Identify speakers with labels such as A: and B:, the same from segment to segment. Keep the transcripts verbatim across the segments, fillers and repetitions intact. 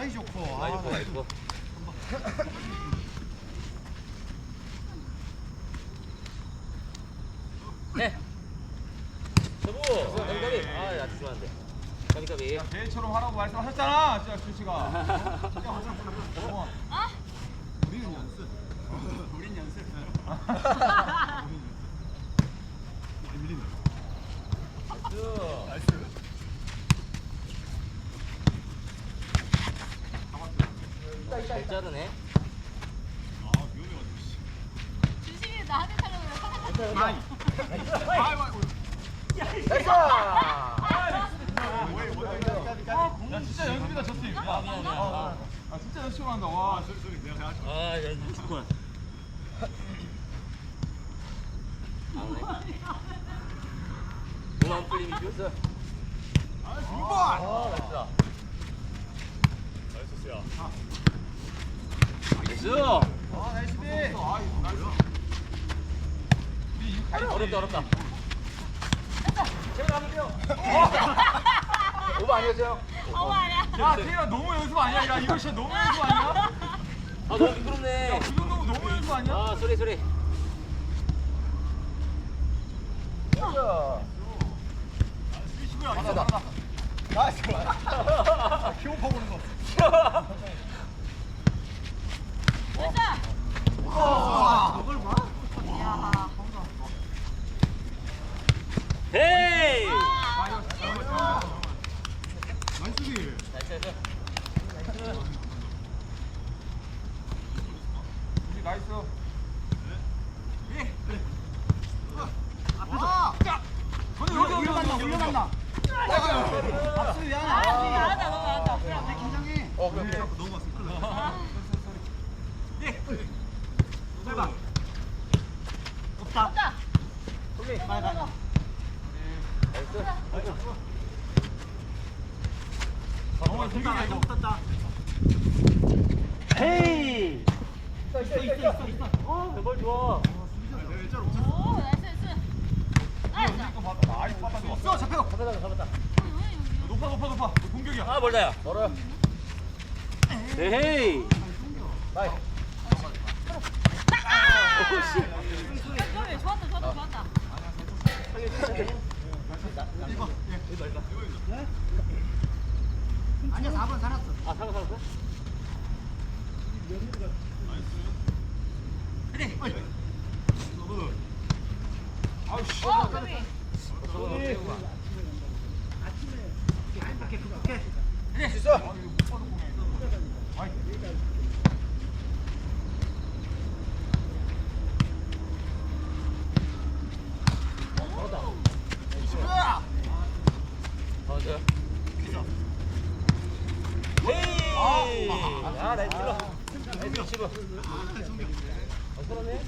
A: 사이 좋고.
B: 많이 좋고 많이 좋고. 네. 서부. 가비가비. 아, 야, 조심한데. 가비가비.
A: 개처럼 하라고 말씀하셨잖아, 진짜 주씨가. 어? 우리는 연습. 우린 연습.
B: 나이스. 잘 자르네.
A: 아, 위험해가지고.
C: 주식이 나한테 타려고
A: 아이.
B: 나이스.
A: 야, 진짜 연습이다, 저 팀. 야,
B: 아, 미안, 미안. 아,
A: 아, 진짜 연습을 한다. 와, 소리 소리 내가 해야지.
B: 아, 야, 이거 죽구나. 몸안 풀림이 비었어.
A: 아, 두 번.
B: 아, 나이스다.
A: 나이스야.
B: 나이스.
A: 아, 나이스. 아, 나이스. 우리 이거 가야
B: 어렵다, 어렵다. 제가 가볼게요. 오버 아니었어요?
C: 어머 아니야.
A: 야, 태희야 너무 연습 아니야? 야, 이거 진짜 너무 연습 아니야?
B: 아, 너무 미끄럽네.
A: 그 정도면 너무 연습 아니야?
B: 아, 소리, 소리.
A: 잘한다. 나이스. 키오파 보는 거.
C: 됐다.
A: 저걸 봐?
C: 야.
B: 헤이!
A: 나이스지.
B: 나이스, 나이스.
A: 우리 나이스.
D: 아!
A: 근데 여기
D: 올려간다, 올려간다. 박수 미안해.
C: 아, 잘한다, 너무 잘한다.
D: 내 긴장해.
A: 어, 그래. 너무 왔어. 큰일 났어.
D: 해봐. 없다.
C: 됐다.
D: 오케이, 빨리 가.
A: 정말 공격이야 이거.
D: 없었다.
B: 헤이!
D: 있어, 있어, 있어, 있어.
B: 어, 왼발 좋아.
A: 일자로
C: 오, 나이스, 나이스. 나이스.
A: 이거 받아. 많이 받아줘.
D: 써, 잡혀.
B: 잡았다, 잡았다.
A: 높아, 높아, 높아. 공격이야.
B: 아, 멀다야. 멀어요. 헤이! 나이스.
C: 야, 좋았다, 좋았다, 좋았다.
D: 아니야, 사 번 살았어.
B: 아, 살아, 살았어?
D: 그래.
A: 아우씨.
C: 어, 가비.
D: 아침에 행복해, 극복해.
B: 수 있어.
A: 아, 이거 못 받은 공이야. 아이.
B: 가운데. 헤이! 아, 나이스 킬러. 나이스 치고. 어, 그러네.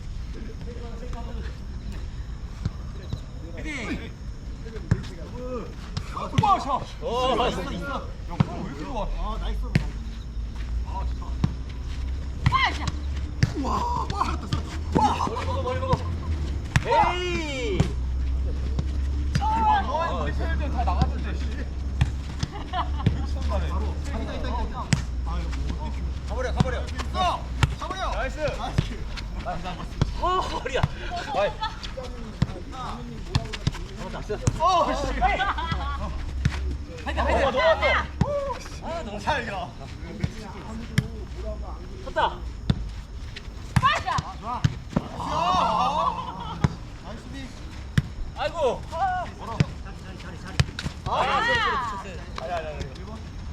A: 와, 샷.
B: 오, 나이스.
A: 야, 공 왜 이렇게 좋아?
D: 어, 나이스.
A: 아, 좋다.
C: 빠샤.
B: 머리 먹어, 머리 먹어. 헤이!
A: 너 우리 팬들 다 나갔을 때, 씨. 미쳤나네.
D: 있다, 있다, 있다, 있다.
A: 가버려, 가버려. 써! 가버려! 나이스!
B: 어, 머리야. 와이. 잡았다.
A: 어, 씨!
B: 하이드, 하이드. 어, 넘어왔어.
A: 아, 너무 잘 가.
B: 쳤다.
C: 빠샤.
D: 좋아.
A: 아,
D: 나이스 비.
B: 아이고.
A: 뭐라?
D: 자리, 자리, 자리.
B: 아, 소리, 소리, 소리.
A: 아니, 아니, 아니. 일 번.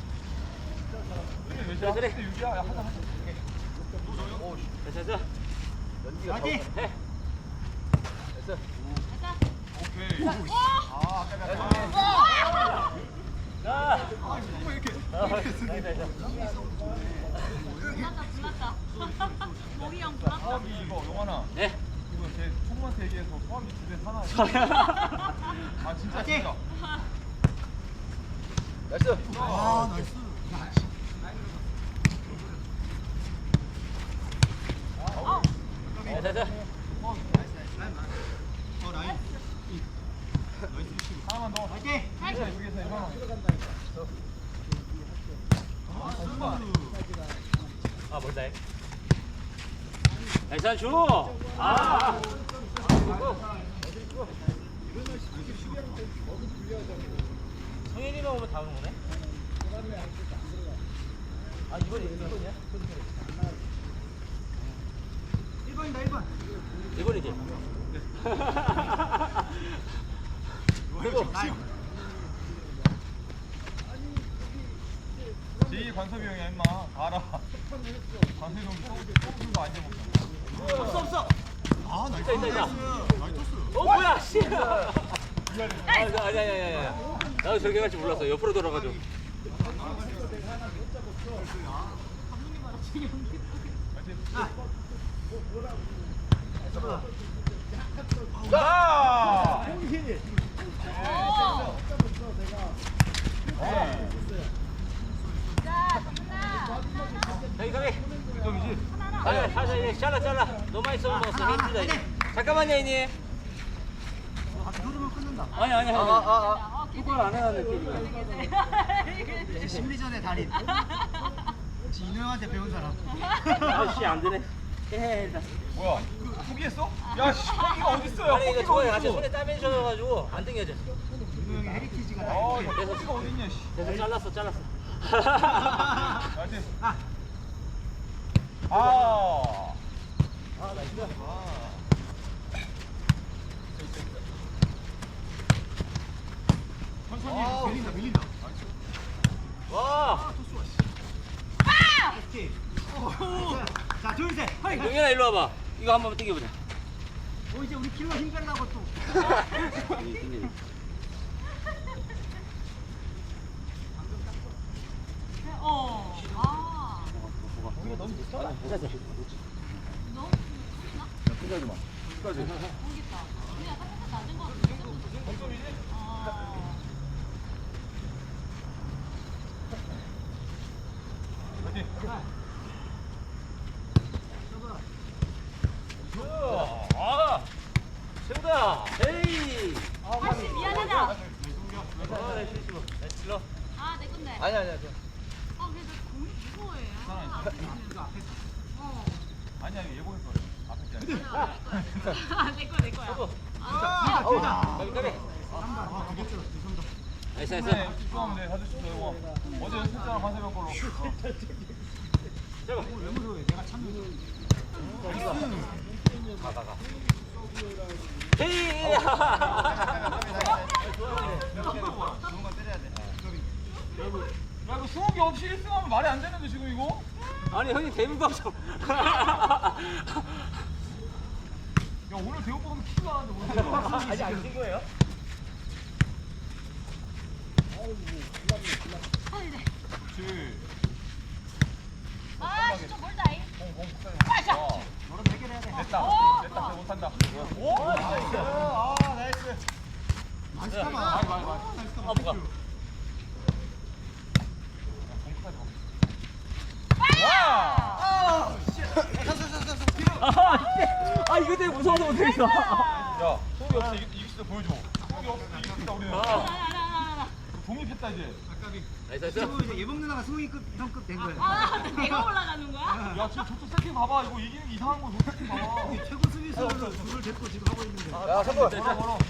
B: 그래, 그래.
A: 유지야, 야, 하자, 하자. 오, 씨.
B: 됐어, 됐어.
A: 연기가
D: 화이팅!
A: 더-
B: 해. 됐어.
C: 됐다.
A: 오케이.
C: 오.
A: 아, 아까 내가.
B: 자.
A: 아, 정말 이렇게.
B: 아, 나이스, 나이스.
C: 불났다, 불났다. 모기 형 불났다.
A: 사업이 이거, 용환아.
B: 네.
A: 이거 제 총무한테 얘기해서 사업이 집에 사나. 아, 진짜,
D: 화이팅!
A: 진짜.
B: 나이스.
D: 아, 나이스.
B: 자, 자, 자.
D: 어, 라인.
A: 하나만 더.
D: 화이팅!
A: 여기서, 여기서, 이거.
B: 아 멀다. 나이스 줘. 아. 성현이만 오면 다 오는 거네? 아 이번이 이번이야?
D: 일 번이다 일 번.
B: 이번이지?
D: 그리고
A: 제이 관섭이 형이야 임마. 다 알아. 관섭이 형 소금도 안 먹잖아.
B: 없어 없어.
D: 아 나이스.
B: 있다, 있다, 있다.
D: 나이스 토스.
B: 어 뭐야 씨. 아 아니 아니 아니 아니. 나도 저렇게 갈줄 몰랐어. 옆으로 돌아가지고.
A: 자!
C: 오. 자, 정훈아.
B: 여기 가게.
A: 점이지?
B: 아니 사자 이제 잘라 잘라. 너무 많이 써먹었어 힘들다 이제. 잠깐만요 이니.
D: 아 누르면 끊는다.
B: 아니 아니 아니.
C: 어,
B: 그걸 안 해야 느낌이야.
D: 이제 심리전의 달인. 진우 형한테 배운 사람.
B: 아씨 안 되네. 해.
A: 뭐야? 포기했어? 야, 씨, 포기가 어딨어요?
B: 아니 이거
A: 포기가
B: 좋아요. 같이
A: 어딨어?
B: 손에 땀이 젖어가지고 안 당겨져.
D: 진우 형의 헤리티지가 다
A: 어,
D: 있네.
A: 야, 포기가 어딨냐, 씨.
B: 그래서 잘랐어 잘랐어.
A: 나이스.
D: 아.
A: 아.
B: 아 나이스.
A: 천천히.
B: 아우.
D: 밀린다 밀린다.
B: 와.
D: 토스와 씨. 오케이. 자 둘 셋. 허이.
B: 용현아 일로 와봐. 이거 한 번만 당겨보자.
D: 어 이제 우리 킬러 힘 빼려고 또.
C: 어. 아.
A: 이거 너무 비싸.
C: 너무 크나?
A: 끝까지 마. 끝까지.
C: 모르겠다. 우리가 살짝 낮은 거 같아.
A: 점점이지?
C: 어.
A: 파이팅.
B: 아. 세우다. 에이.
C: 다시 미안하다.
B: 아, 내 실수. 내 질러.
C: 아, 내 건데.
B: 아니 아니 아니.
C: 아, 근데 나 공이 무서워해. 아, 어.
A: 아니야, 이거 예고했어. 앞에 게 아니라.
C: 아, 내 거야, 내 거야.
B: 서브.
C: 아,
B: 어우. 까비 까비.
D: 한발 아 그게 쩔어. 죄송합니다.
B: 나이스
A: 네,
B: 나이스.
A: 집중하면 돼. 사줄 수 있어, 이거. 어제 연습했잖아, 관세병 걸로. 어.
B: 잡아.
D: 왜 무서워해? 내가 참는.
B: 가 가 가. 헤이.
A: 야, 이거 수욱이 없이 일 승하면 말이 안 되는데, 지금 이거?
B: 아니 형님 대문방송.
A: 야, 오늘 대우보면 키가 나는데, 오늘.
B: 아직 안 뛴 거예요?
C: 아, 이래.
A: 그렇지.
C: 아, 진짜 멀다. 이.
A: 공, 공, 폭탄이.
C: 빠져.
A: 어,
D: 너랑 해결해야 돼.
A: 됐다.
C: 오!
A: 됐다. 쟤 못한다. 오! 나이스. 아, 나이스.
D: 나이스 카마.
A: 많이, 많이, 많이.
D: 나이스
B: 아
D: 카마.
B: 뭐가?
A: 와!
B: 아, 아 이거 되게 무서워서 못하겠어.
A: 야, 소리 없이 이길, 이길 수 있어 보여줘. 소리 없이 이길 수 있다 우리는.
B: 아.
C: 나, 나, 나, 나.
A: 독립했다 이제.
D: 아까비.
B: 나이스 나이스.
D: 지금 이제 예봉 누나가 승우이급 형급 된 거야.
C: 아, 내가 올라가는 거야?
A: 야, 지금 저쪽 세팅 봐봐. 이거 이기는 게 이상한 거. 저쪽 세팅 봐봐.
D: 최고 수비수로 둘을 데리고 지금 하고 있는데.
B: 야, 선물.
A: 걸어, 걸어.